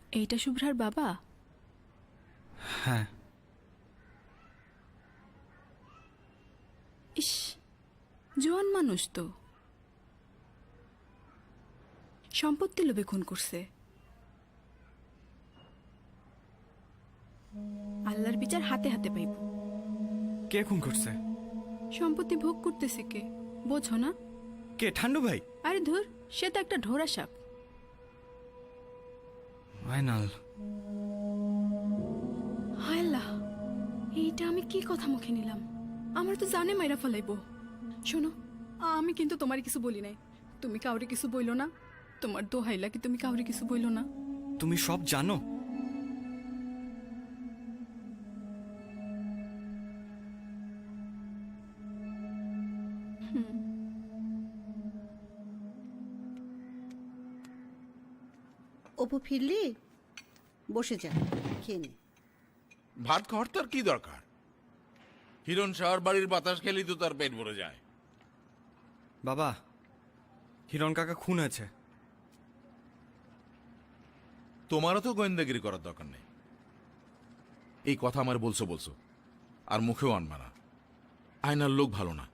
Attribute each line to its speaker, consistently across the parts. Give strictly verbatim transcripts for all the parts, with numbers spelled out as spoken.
Speaker 1: এইটা শুভ্রার বাবা?
Speaker 2: হ্যাঁ।
Speaker 1: ইস, জোয়ান মানুষ তো। সম্পত্তি লোভে খুন করছে। আল্লাহর বিচার হাতে হাতে পাইব।
Speaker 2: কে খুন করছে?
Speaker 1: সম্পত্তি ভোগ করতেছে কে, বোঝো না?
Speaker 2: কে, ঠান্ডু ভাই?
Speaker 1: আরে ধুর, সে তো একটা ঢোড়া সাপ।
Speaker 2: আয়নাল।
Speaker 1: হায় আল্লাহ, এইটা আমি কি কথা মুখে নিলাম? আমার তো জানে মাইরা ফেলাইব। শোনো, আমি কিন্তু তোমার কিছু বলি নাই। তুমি কাউরে কিছু বইলো না। তোমার দোহাইলা কি তুমি কাউরে কিছু বইলো না?
Speaker 2: তুমি সব জানো?
Speaker 3: অপু ফিরলি? বসে যা, খেয়ে নে।
Speaker 4: ভাত খাওয়ার তার কি দরকার? হিরণ শাহর বাড়ির বাতাস খেলেই তো তার পেট ভরে যায়।
Speaker 2: বাবা, হিরণ কাকা খুন আছে।
Speaker 4: তোমারও তো গোয়েন্দাগিরি করার দরকার নেই। এই কথা আমার বলছো বলছো আর মুখেও আনবা না। আয়নার লোক ভালো না।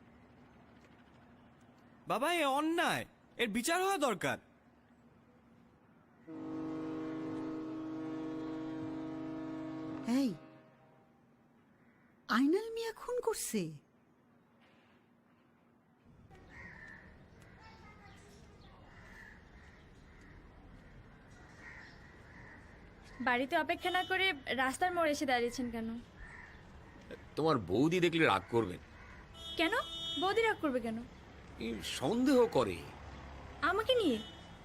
Speaker 2: বাবা, এ অন্যায়, এর বিচার হওয়া দরকার।
Speaker 3: এই, আইনাল মিয়া খুন করছে?
Speaker 5: বাড়িতে অপেক্ষা না করে রাস্তার মোড়ে এসে দাঁড়িয়েছেন কেন?
Speaker 6: তোমার বৌদি দেখলে রাগ করবেন।
Speaker 5: কেন? বৌদি রাগ করবে কেন?
Speaker 6: এই সন্দেহ করে।
Speaker 5: আমাকে নিয়ে?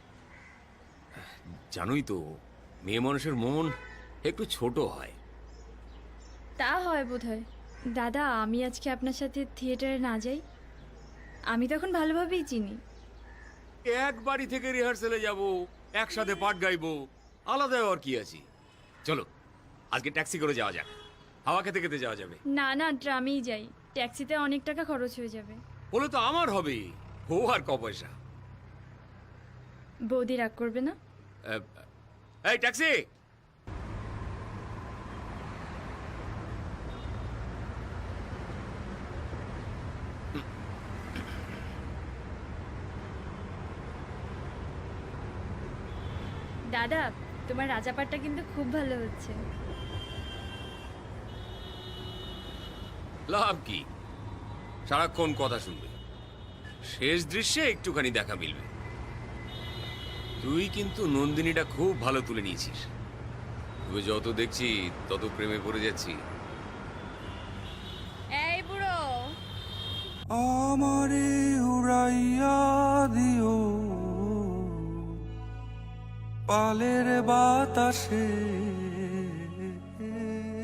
Speaker 6: জানোই তো, মেয়ে মানুষের মন একটু ছোট হয়।
Speaker 5: তা হয় বোধহয়। দাদা, আমি আজকে আপনার সাথে থিয়েটারে না যাই? আমি তখন ভালোভাবেই চিনি।
Speaker 6: এক বাড়ি থেকে রিহার্সেলে যাব, একসাথে পাঠ গাইবো, আলাদা আর কি আছে। চলো আজকে ট্যাক্সি করে যাওয়া যাক, হাওয়া খেতে খেতে যাওয়া যাবে।
Speaker 5: না না, ট্রামেই যাই। ট্যাক্সিতে অনেক টাকা খরচ হয়ে যাবে।
Speaker 6: বলে তো আমার হবে, ও আর ক পয়সা।
Speaker 5: বৌদি রাগ করবে না?
Speaker 6: আহ, এই ট্যাক্সি!
Speaker 5: দাদা, তোমার রাজাপাটটা কিন্তু খুব ভালো হচ্ছে।
Speaker 6: লাভ কি, সারাক্ষণ কথা শুনবে, শেষ দৃশ্যে একটুখানি দেখা মিলবে। তুই কিন্তু নন্দিনীটা খুব ভালো তুলে নিয়েছিস। তুই যত দেখছি তত প্রেমে পড়ে যাচ্ছি।
Speaker 5: এই বুড়ো,
Speaker 7: আমারে উড়াইয়া দিও পালের বাতাসে,